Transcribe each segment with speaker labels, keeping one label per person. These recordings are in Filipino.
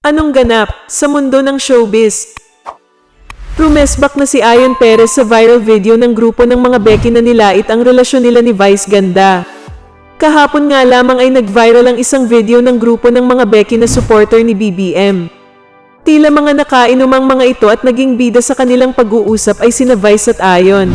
Speaker 1: Anong ganap sa mundo ng showbiz? Rumesbak na si Ayon Perez sa viral video ng grupo ng mga Becky na nilait ang relasyon nila ni Vice Ganda. Kahapon nga lamang ay nag-viral ang isang video ng grupo ng mga Becky na supporter ni BBM. Tila mga nakainom ang mga ito at naging bida sa kanilang pag-uusap ay sina Vice at Ayon.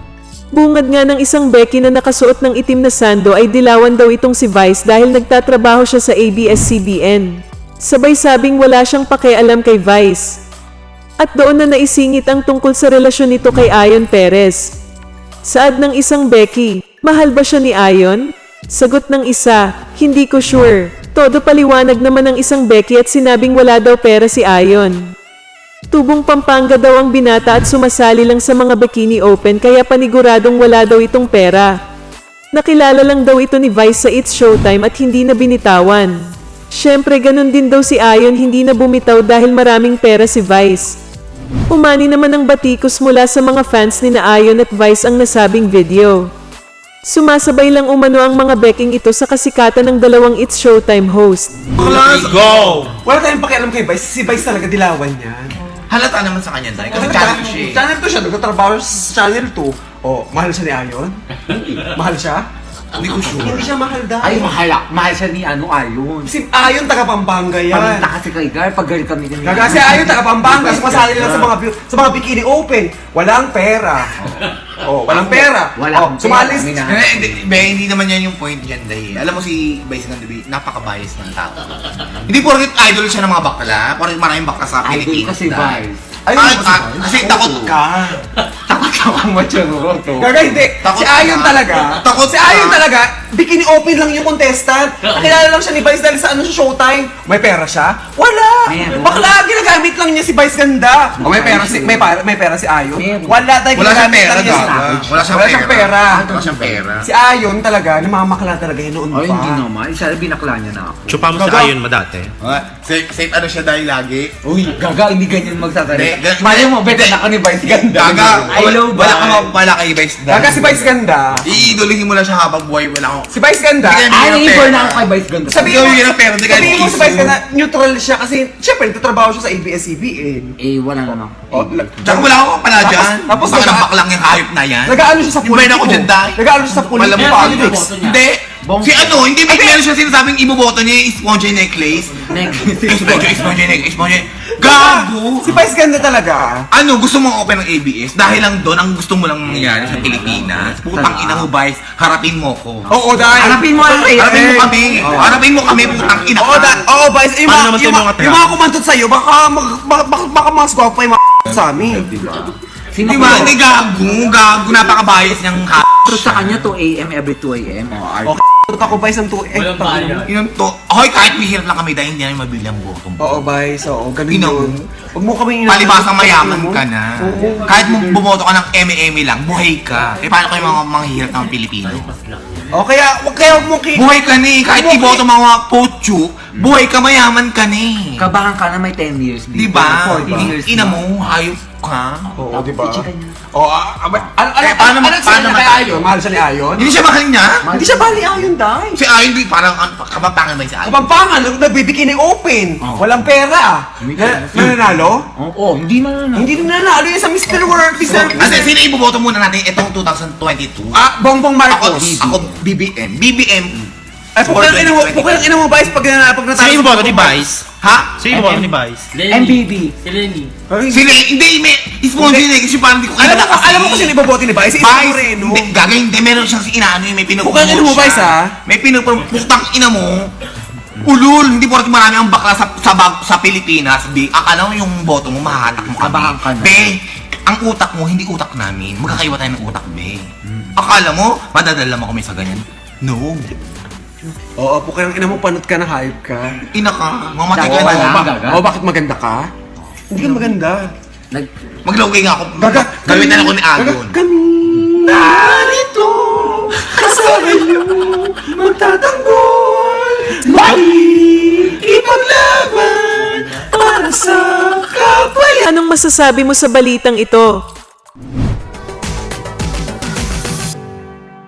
Speaker 1: Bungad nga ng isang Becky na nakasuot ng itim na sando ay dilawan daw itong si Vice dahil nagtatrabaho siya sa ABS-CBN. Sabay sabing wala siyang pakialam kay Vice. At doon na naisingit ang tungkol sa relasyon nito kay Ayon Perez. Saad ng isang Becky, mahal ba siya ni Ayon? Sagot ng isa, hindi ko sure. Todo paliwanag naman ng isang Becky at sinabing wala daw pera si Ayon. Tubong Pampanga daw ang binata at sumasali lang sa mga bikini open kaya paniguradong wala daw itong pera. Nakilala lang daw ito ni Vice sa It's Showtime at hindi na binitawan. Syempre ganun din daw si Ayon, hindi na bumitaw dahil maraming pera si Vice. Umani naman ang batikos mula sa mga fans ni na Ayon at Vice ang nasabing video. Sumasabay lang umano ang mga Becking ito sa kasikatan ng dalawang It's Showtime host.
Speaker 2: Let's go!
Speaker 3: Wala tayong pakialam kay Vice. Si Vice talaga dilawan yan.
Speaker 2: Halata naman sa kanya, dahil kasi channel siya eh.
Speaker 3: Channel 2 siya. Nagtatrabaho sa Channel 2. Oh, mahal siya ni Ayon? Mahal siya?
Speaker 2: Hindi ko sure.
Speaker 3: Hindi siya mahal dahil.
Speaker 4: Ay, mahal siya ni Ayon.
Speaker 3: Si Ayon taga Pampanga yan.
Speaker 4: Paminta kasi kay Gar, pag girl kami nila.
Speaker 3: Gaga si Ayon taga Pampanga. Sumasali lang sa mga bikini open. Walang pera. Oh, walang pera.
Speaker 4: Wala akong
Speaker 3: sumali.
Speaker 4: pera,
Speaker 2: Hindi naman yan yung point dyan, dahil alam mo si Vice Ganda, napaka-bias ng tao. Hindi porket idol siya ng mga bakla, porket maraming bakla sa
Speaker 4: Idol
Speaker 2: Pilipinas.
Speaker 4: kasi Vice.
Speaker 2: Kasi takot ka.
Speaker 4: Takot ka kang matyanuro to.
Speaker 3: Gaga hindi.
Speaker 2: Takot
Speaker 3: Si Ayon
Speaker 2: ka.
Speaker 3: talaga.
Speaker 2: Takot
Speaker 3: Si
Speaker 2: ka.
Speaker 3: Ayon talaga. Bikini open lang yung contestant. Nakilala lang siya ni Vice dahil sa Showtime. May pera siya? Wala.
Speaker 4: Meron.
Speaker 3: Bakla, ginagamit lang niya si Vice Ganda. O may pera si may pera si Ayon.
Speaker 4: Meron.
Speaker 3: Wala dahil
Speaker 2: Wala siyang
Speaker 3: ginagamit
Speaker 2: pera,
Speaker 3: lang niya si
Speaker 2: gaga. Wala siyang
Speaker 3: pera.
Speaker 2: Wala siyang pera.
Speaker 3: Si Ayon talaga, namamakla talaga yun noon pa.
Speaker 4: Ay, hindi naman. Isa binakla niya na ako.
Speaker 5: Chupa mo si
Speaker 3: Gaga.
Speaker 5: Ayon mo dati.
Speaker 2: Safe ano siya dahil lagi.
Speaker 4: Uy, gaga, hindi ganyan magsasalita.
Speaker 2: Hindi,
Speaker 4: Mali mo, better na ako ni Vice Ganda.
Speaker 2: Gaga,
Speaker 4: I love
Speaker 2: wala kang
Speaker 4: Vice.
Speaker 2: mapapala kay Vice Ganda.
Speaker 3: Gaga si Vice Ganda.
Speaker 2: Iidolihin mo lang siya habang buhay, wala akong...
Speaker 3: Si Vice Ganda.
Speaker 2: Hindi ka-
Speaker 4: Ay,
Speaker 2: Hindi
Speaker 4: neighbor
Speaker 2: pera.
Speaker 4: na ako kay Vice Ganda.
Speaker 3: Sabihin mo,
Speaker 2: Hindi ka pera, hindi ka
Speaker 3: sabihin mo si
Speaker 2: kiss
Speaker 3: Vice
Speaker 2: mo.
Speaker 3: Ganda, neutral siya kasi syempre nagtatrabaho siya sa ABS-CBN.
Speaker 4: Eh, wala naman.
Speaker 3: Oh,
Speaker 2: Tsaka wala akong pala dyan.
Speaker 3: tapos
Speaker 2: Baka
Speaker 3: naga-
Speaker 2: nabak lang yung hayop na yan.
Speaker 3: Nag-aano siya sa
Speaker 2: Yung brain ako
Speaker 3: politiko.
Speaker 2: dyan, dahil.
Speaker 3: Nag-aano siya sa
Speaker 2: Wala mo
Speaker 3: politics.
Speaker 2: Hindi. Si ano, hindi ba meron siya sinasabing iboboto niya yung sponge necklace? Sponge necklace. Gago!
Speaker 3: Si Vice Ganda talaga.
Speaker 2: Ano, gusto mong open ng ABS? Dahil lang doon, ang gusto mo lang mangyari sa Pilipinas. Putang ina mo, Vice. Harapin mo ko.
Speaker 3: Oo, dahil.
Speaker 4: Harapin mo ang
Speaker 2: Harapin mo kami. Harapin mo kami, putang ina
Speaker 3: Oo,
Speaker 2: ka.
Speaker 3: oo, Vice. Yung
Speaker 5: Paano
Speaker 3: mga,
Speaker 5: naman
Speaker 3: yung,
Speaker 5: tayo
Speaker 3: mga,
Speaker 5: mga
Speaker 3: yung mga kumantot sa'yo, baka mga squawk pa yung mga sa amin.
Speaker 4: Sino
Speaker 2: Di ba? Hindi gago. Napaka-bias niyang ha.
Speaker 4: Pero sa kanya 2 a.m. every 2 a.m.
Speaker 3: O, k***tot ako, Vice, ng 2.
Speaker 2: Yun to. Hoy, kahit mahirap lang kami dahil hindi namin mabili ang botong.
Speaker 3: Oo, Vice. Oo, ganun
Speaker 2: Ino.
Speaker 3: yun. Huwag mo kami
Speaker 2: Palibasang mayaman ka na. Kahit bumoto ka ng eme lang, buhay ka. Eh paano kayo mga hirap ng Pilipino?
Speaker 3: O, kaya huwag mo
Speaker 2: Buhay ka ni, kahit iboto mga pocho, buhay ka, mayaman ka ni.
Speaker 4: Kabahan ka na may 10 years.
Speaker 2: Di ba?
Speaker 4: 14 years.
Speaker 2: Ina mo, hayop ka.
Speaker 3: Oo, di ba?
Speaker 4: I-checkan niya.
Speaker 3: Oo,
Speaker 2: paano
Speaker 3: kay Ayon? Mahal siya ni Ayon?
Speaker 2: Hindi siya mahal niya.
Speaker 3: Hindi siya bali Ayon, dahil.
Speaker 2: Si Ayon, di parang kababangan ba yung si Ayon?
Speaker 3: Kapampangan, nagbibikini open. Walang pera. Nananalo?
Speaker 4: Oo, hindi man na.
Speaker 3: Hindi na nanalo yun sa Mr. World.
Speaker 2: Kasi sino iboboto muna natin itong 2022?
Speaker 3: Bongbong Marcos.
Speaker 2: Ako, BBM. BBM.
Speaker 3: Ay, pukul ang ina mo, Vice, pag natalo.
Speaker 5: Sino yung boto ni Vice?
Speaker 2: Ha?
Speaker 5: Sino yung boto ni Vice?
Speaker 4: MBB.
Speaker 2: Sila, hindi, may sponsor niya kasi parang hindi ko kilala kasi.
Speaker 3: Alam mo kung sino ibobote ni Vice? Isa
Speaker 2: Vice,
Speaker 3: Moreno.
Speaker 2: hindi, gagawin, hindi, meron siyang si inaano yun, may
Speaker 3: Pukul ang ina mo,
Speaker 2: siya.
Speaker 3: Vice, ha?
Speaker 2: May putang ina mo. Ulul, hindi porket marami ang bakla sa Pilipinas, B. Akala mo yung boto mo, mahatak mo kami.
Speaker 4: Abahan ka na.
Speaker 2: B, ang utak mo, hindi utak namin. Magkakaiba tayo ng utak, B. Akala mo, madadala mo kami sa ganyan? No.
Speaker 3: Oo, pukul ang ina mo, panot ka na, hype ka.
Speaker 2: Ina ka, mamatay ka
Speaker 4: Oo,
Speaker 2: na.
Speaker 4: gaga.
Speaker 3: Bakit maganda ka? Hindi ka maganda.
Speaker 2: Maglogay nga ako.
Speaker 3: Gaga,
Speaker 2: Gamitan ako ni Agon.
Speaker 3: Kami narito kasama niyo magtatanggol ipaglaban para sa kapwa.
Speaker 1: Anong masasabi mo sa balitang ito?